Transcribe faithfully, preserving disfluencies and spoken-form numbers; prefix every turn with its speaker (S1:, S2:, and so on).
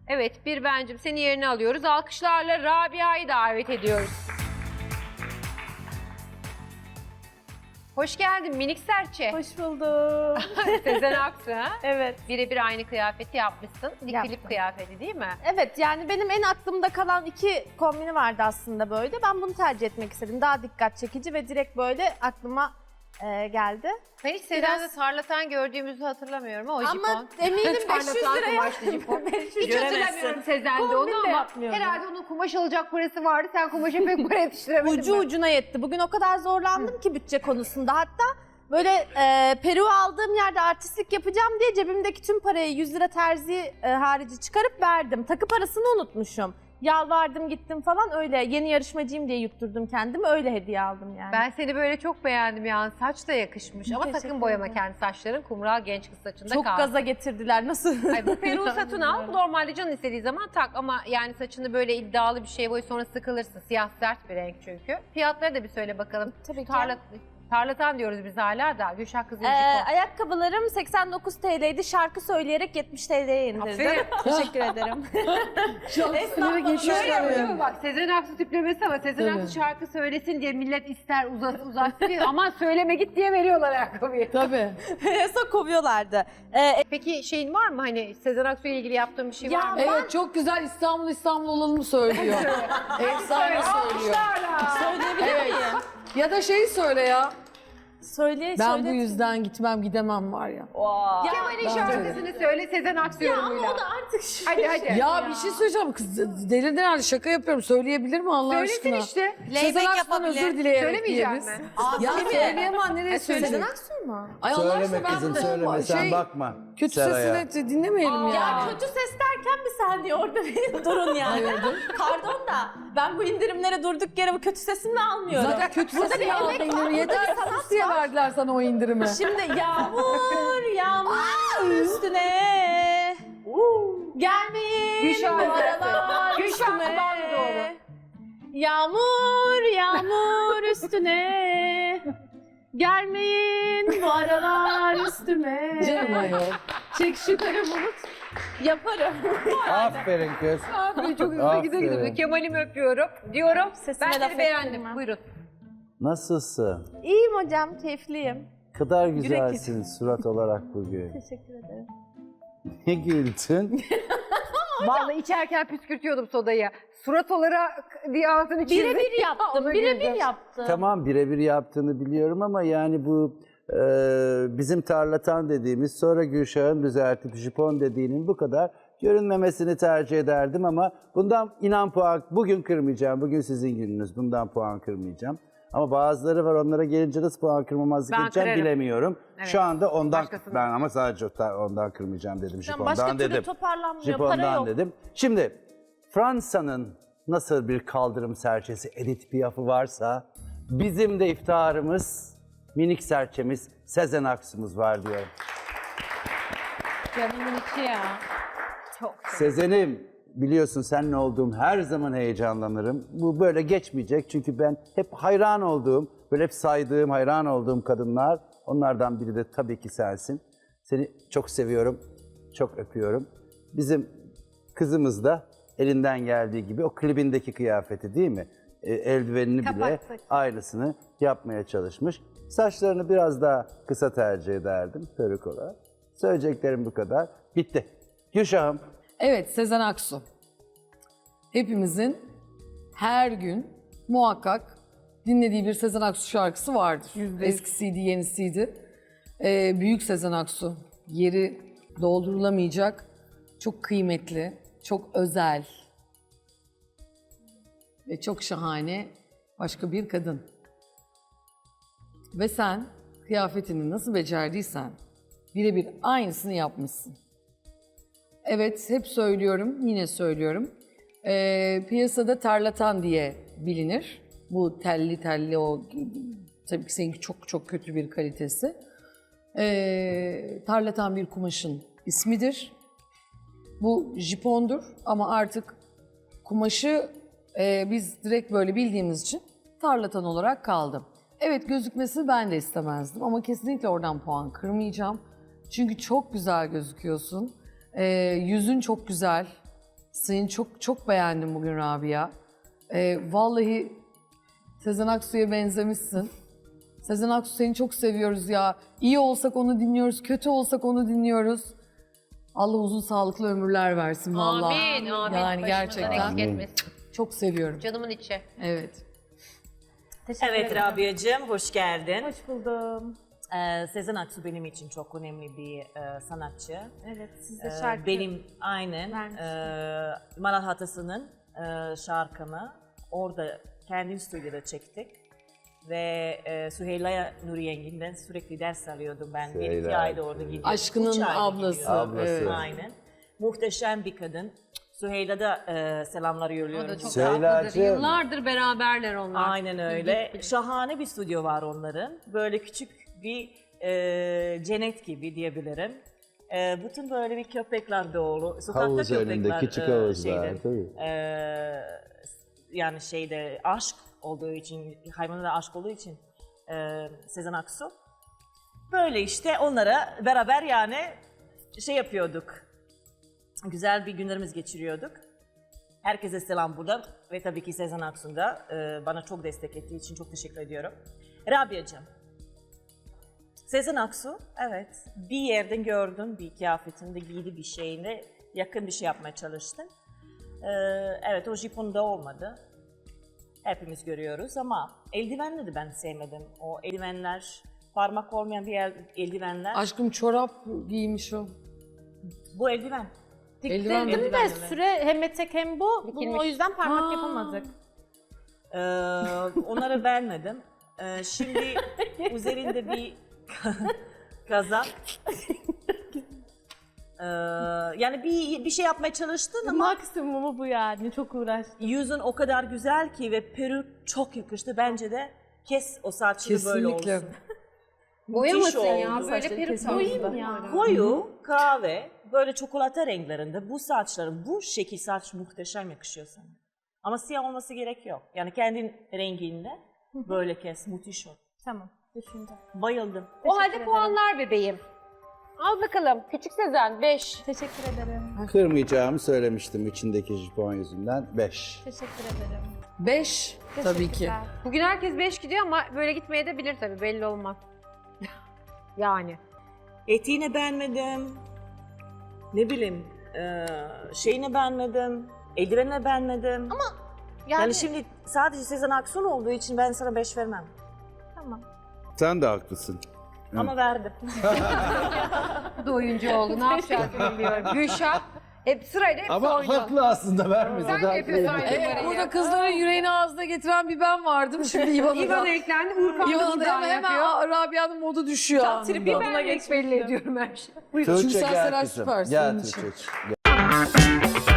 S1: Evet, bir bencim seni yerine alıyoruz. Alkışlarla Rabia'yı davet ediyoruz. Hoş geldin minik serçe.
S2: Hoş bulduk.
S1: Sezen Aksu ha?
S2: Evet.
S1: Birebir aynı kıyafeti yapmışsın. Bir
S2: Yaptım.
S1: klip kıyafeti değil mi?
S2: Evet, yani benim en aklımda kalan iki kombini vardı aslında böyle. Ben bunu tercih etmek istedim. Daha dikkat çekici ve direkt böyle aklıma e, geldi.
S1: Ben hiç Sezen'de tarlatan gördüğümüzü hatırlamıyorum ama o jipon.
S2: Ama eminim beş yüz
S1: Tarlatan
S2: liraya.
S1: kumaşlı jipon. Hiç
S2: Göremezsin.
S1: hatırlamıyorum Sezen'de
S2: Kombin
S1: onu
S2: de
S1: ama
S2: yapmıyordum.
S1: herhalde onun kumaş alacak parası vardı. Sen kumaşa pek para yetiştiremedin.
S2: Ucu
S1: mi?
S2: ucuna yetti. Bugün o kadar zorlandım ki bütçe konusunda. Hatta böyle e, peruğu aldığım yerde artistlik yapacağım diye cebimdeki tüm parayı yüz lira terzi e, harici çıkarıp verdim. Takı parasını unutmuşum. Yalvardım gittim falan öyle. Yeni yarışmacıyım diye yutturdum kendimi. Öyle hediye aldım yani.
S1: Ben seni böyle çok beğendim yani. Saç da yakışmış ama
S2: Teşekkür
S1: sakın boyama
S2: ederim.
S1: kendi saçların. Kumral genç kız saçında
S2: Çok
S1: kalsın.
S2: gaza getirdiler. Nasıl?
S1: Ay, bu peruğu satın al. Normalde canın istediği zaman tak ama yani saçını böyle iddialı bir şey boy sonra sıkılırsın. Siyah sert bir renk çünkü. Fiyatları da bir söyle bakalım.
S2: Tabii ki.
S1: Tarla, tarlatan diyoruz biz hala da. Gülşah Kızıl
S2: Ee,
S1: Jipon.
S2: ayakkabılarım seksen dokuz TL'ydi. Şarkı söyleyerek yetmiş TL'ye indirdim.
S1: Aferin.
S2: Teşekkür ederim.
S3: Şarkıları geçiyor.
S1: Şöyle yapıyor değil mi bak Sezen Aksu tiplemesi ama Sezen
S3: Tabii.
S1: Aksu şarkı söylesin diye millet ister uzat uzatsın diye ama söyleme git diye veriyorlar ayakkabıyı.
S3: Tabii.
S2: Sonra kovuyorlardı. Ee,
S1: Peki şeyin var mı hani Sezen Aksu ile ilgili yaptığın bir şey
S2: Ya
S1: var mı?
S3: Evet çok güzel İstanbul İstanbul olalım söylüyor. Efsane söylüyor.
S2: söyleyebilir
S3: Evet.
S2: miyim?
S3: Ya da şeyi söyle ya.
S2: Söyle,
S3: Ben
S2: söyle.
S3: bu yüzden gitmem gidemem var ya.
S2: Ya,
S1: Kemal'in
S3: Bence
S1: şarkısını söyle Sezen Aksu
S2: ya ama
S1: yorumuyla.
S2: o da artık şu.
S1: Hadi hadi.
S3: Ya bir şey söyleyeceğim kız delirdin herhalde şaka yapıyorum söyleyebilir mi Allah
S1: Söylesin
S3: aşkına?
S1: işte.
S3: Sezen Aksu'dan özür dileyerek
S1: Söylemeyecek
S3: diyeriz.
S1: mi?
S3: Ya
S2: Kimi?
S3: söyleyemem nereye söyleyecek?
S2: Sezen Aksu mu?
S3: Ay Allah
S4: Söyleme
S3: aşkına ben
S4: kızım
S3: bu-
S4: söyleme sen
S3: şey,
S4: bakma.
S3: Kötü
S4: Seraya.
S3: sesini dinlemeyelim
S2: Ya
S3: yani.
S2: kötü ses derken bir saniye orada bir durun yani. Pardon da ben bu indirimlere durduk yere bu kötü sesimle almıyorum.
S3: Zaten kötü
S2: Burada
S3: sesini
S2: bir
S3: al
S2: emek var,
S3: indirim.
S2: burada
S3: Yeter
S2: bir sanat
S3: sus diye verdiler sana o indirimi.
S2: Şimdi yağmur yağmur üstüne gelmeyin
S1: Gülşah
S2: bu aralar
S1: Gülşah
S2: üstüme.
S1: kulağına doğru.
S2: Yağmur yağmur üstüne gelmeyin bu aralar üstüme.
S3: Canım ayol.
S2: Çek şu kara bulut. Yaparım.
S4: Aferin kız.
S1: Aferin çok hızlı
S4: Aferin.
S1: güzel gidiyor. Kemal'imi öpüyorum diyorum.
S2: Sesime
S1: Ben
S2: laf
S1: seni beğendim.
S2: ettirmem.
S1: Buyurun.
S4: Nasılsın?
S2: İyiyim hocam, keyifliyim.
S4: Kadar güzelsin surat olarak bugün.
S2: Teşekkür ederim.
S4: Ne güldün?
S1: Vallahi içerken püskürtüyordum sodayı. Surat olarak diye altını çizdim.
S2: Birebir yaptım,
S1: Ona
S2: birebir
S1: güldüm.
S2: yaptım.
S4: Tamam birebir yaptığını biliyorum ama yani bu e, bizim tarlatan dediğimiz sonra Gülşah'ın düzeltip jipon dediğinin bu kadar görünmemesini tercih ederdim ama bundan inan puan bugün kırmayacağım. Bugün sizin gününüz. Bundan puan kırmayacağım. Ama bazıları var onlara gelince nasıl puan kırmamazlık
S1: Ben
S4: edeceğim
S1: kırarım.
S4: bilemiyorum.
S1: Evet.
S4: Şu anda ondan
S1: Başkasını.
S4: ben ama sadece ondan kırmayacağım dedim.
S2: Yani
S4: Jipondan
S2: başka türlü
S4: dedim.
S2: toparlanmıyor, para
S4: Jipondan
S2: yok.
S4: dedim. Şimdi Fransa'nın nasıl bir kaldırım serçesi Edith Piaf'ı varsa bizim de iftiharımız minik serçemiz Sezen Aksu'muz var diyorum.
S1: Canımın içi ya. Çok.
S4: Sezen'im biliyorsun seninle olduğum her zaman heyecanlanırım. Bu böyle geçmeyecek çünkü ben hep hayran olduğum, böyle hep saydığım, hayran olduğum kadınlar. Onlardan biri de tabii ki sensin. Seni çok seviyorum, çok öpüyorum. Bizim kızımız da elinden geldiği gibi o klibindeki kıyafeti değil mi? E, eldivenini bile
S1: Kapattık.
S4: aynısını yapmaya çalışmış. Saçlarını biraz daha kısa tercih ederdim peruk olarak. Söyleyeceklerim bu kadar. Bitti. Gülşah'ım.
S3: Evet Sezen Aksu. Hepimizin her gün muhakkak dinlediği bir Sezen Aksu şarkısı vardır. Eskisiydi, yenisiydi. Ee, büyük Sezen Aksu. Yeri doldurulamayacak, çok kıymetli, çok özel ve çok şahane başka bir kadın. Ve sen kıyafetini nasıl becerdiysen birebir aynısını yapmışsın. Evet, hep söylüyorum, yine söylüyorum. Ee, piyasada tarlatan diye bilinir. Bu telli telli o, tabii ki seninki çok çok kötü bir kalitesi. Ee, tarlatan bir kumaşın ismidir. Bu jipondur ama artık kumaşı e, biz direkt böyle bildiğimiz için tarlatan olarak kaldı. Evet gözükmesini ben de istemezdim ama kesinlikle oradan puan kırmayacağım. Çünkü çok güzel gözüküyorsun. Ee, yüzün çok güzel. Seni çok çok beğendim bugün Rabia. Ee, vallahi Sezen Aksu'ya benzemişsin. Sezen Aksu seni çok seviyoruz ya. İyi olsak onu dinliyoruz, kötü olsak onu dinliyoruz. Allah uzun sağlıklı ömürler versin vallahi.
S1: Amin, amin.
S3: Yani
S1: Başımızdan
S3: gerçekten
S1: eksik etmesin.
S3: çok seviyorum.
S1: Canımın içi.
S3: Evet.
S2: Teşekkür
S5: Evet
S2: ederim.
S5: Rabia'cığım hoş geldin.
S2: Hoş buldum.
S5: Ee, Sezen Aksu benim için çok önemli bir e, sanatçı.
S2: Evet, siz de
S5: Ee,
S2: şarkı.
S5: benim aynen
S2: vermiştin.
S5: e, Maral Hatası'nın e, şarkımı orada kendi stüdyoda çektik. Ve e, Süheyla Nuri Yengin'den sürekli ders alıyordum ben. Bir iki
S4: Süheyla,
S5: ayda orada gidiyordum.
S3: Aşkının
S5: Üç ayda
S3: ablası.
S5: gidiyordum.
S4: Ablası.
S3: Evet.
S5: Aynen. Muhteşem bir kadın. Süheyla da e, selamlar
S1: O
S5: yolluyorum.
S1: da çok
S4: Süheyla'cığım.
S1: tatlıdır. Yıllardır beraberler onlar.
S5: Aynen öyle. Şahane bir stüdyo var onların. Böyle küçük bir e, cennet gibi diyebilirim. E, bütün böyle bir köpekler dolu. Sokakta
S4: Havuz
S5: köpekler.
S4: önünde küçük
S5: e,
S4: havuzlar.
S5: şeyde,
S4: Tabii.
S5: e, yani şeyde aşk olduğu için, hayvanlara aşk olduğu için e, Sezen Aksu. Böyle işte onlara beraber yani şey yapıyorduk. Güzel bir günlerimiz geçiriyorduk. Herkese selam buradan ve tabii ki Sezen Aksu'nun da e, bana çok destek ettiği için çok teşekkür ediyorum. Rabia'cığım, Sezen Aksu, evet bir yerden gördüm bir kıyafetinde giydi bir şeyini yakın bir şey yapmaya çalıştın. E, evet o jiponda olmadı. Hepimiz görüyoruz ama eldivenleri de ben sevmedim. O eldivenler, parmak olmayan bir el- eldivenler.
S3: Aşkım çorap giymiş o.
S5: Bu eldiven.
S3: Eldiven mi?
S2: Diktirdim de süre hem etek hem bu. Bunu
S1: Dikilmiş.
S2: o yüzden parmak
S3: Ha.
S2: yapamadık.
S5: Ee, onları beğenmedim. Ee, şimdi üzerinde bir kazak. Ee, yani bir bir şey yapmaya çalıştın ama
S2: Maksimumu bu yani. Çok uğraştım.
S5: yüzün o kadar güzel ki ve peruk çok yakıştı. Bence de kes o saçını böyle
S3: Kesinlikle.
S5: olsun.
S1: Boyamasın
S5: Müthiş
S1: ya.
S5: oldu.
S1: Böyle
S2: Saçları
S1: peruk
S2: kesin
S1: koyayım
S2: oldu.
S1: ya.
S5: Koyu, kahve, böyle çikolata renklerinde bu saçların, bu şekil saç muhteşem yakışıyor sana. Ama siyah olması gerek yok. Yani kendin renginde böyle kes, müthiş ol.
S2: Tamam. Düşünce.
S5: Bayıldım.
S1: O halde
S2: ederim.
S1: puanlar bebeğim. Al bakalım. Küçük Sezen beş.
S2: Teşekkür ederim.
S4: Kırmayacağımı söylemiştim içindeki jipon yüzünden. beş.
S2: Teşekkür ederim.
S3: Beş tabii ki.
S2: Teşekkürler.
S1: Bugün herkes beş gidiyor ama böyle gitmeye de bilir tabii. Belli olmaz. Yani.
S5: Etiğini beğenmedim. Ne bileyim, eee şeyini beğenmedim. Eldivenini beğenmedim. Ama
S2: Yani,
S5: yani şimdi sadece Sezen Aksu olduğu için ben sana beş vermem.
S2: tamam.
S4: Sen de haklısın.
S5: Ama verdim.
S1: Bu da oyuncu oldu. Ne yapacağını bilmiyorum. Gülşah. Hep sırayla hepsi
S4: Ama
S1: oynuyor.
S4: haklı aslında vermese
S1: Sen
S4: de
S1: de yapıyorsun
S4: haklıydı.
S1: aynı
S3: Evet,
S1: numarayı.
S3: burada kızların yüreğini ağzına getiren bir ben vardım. Şimdi İvan'a
S1: İvan
S3: da.
S1: eklendi. Urkan da
S3: İvan'a da
S1: buradan
S3: hemen,
S1: yapıyor.
S3: hemen Rabia'nın modu düşüyor
S1: Tam
S3: anında.
S1: tripi ben belli ediyorum her şeyi.
S3: Çünkü
S4: Tuğçe
S3: sen
S4: gel
S3: Seren
S4: kızım.
S3: süpersin
S4: Gel
S3: onun için.
S4: Tuğçe. Gel.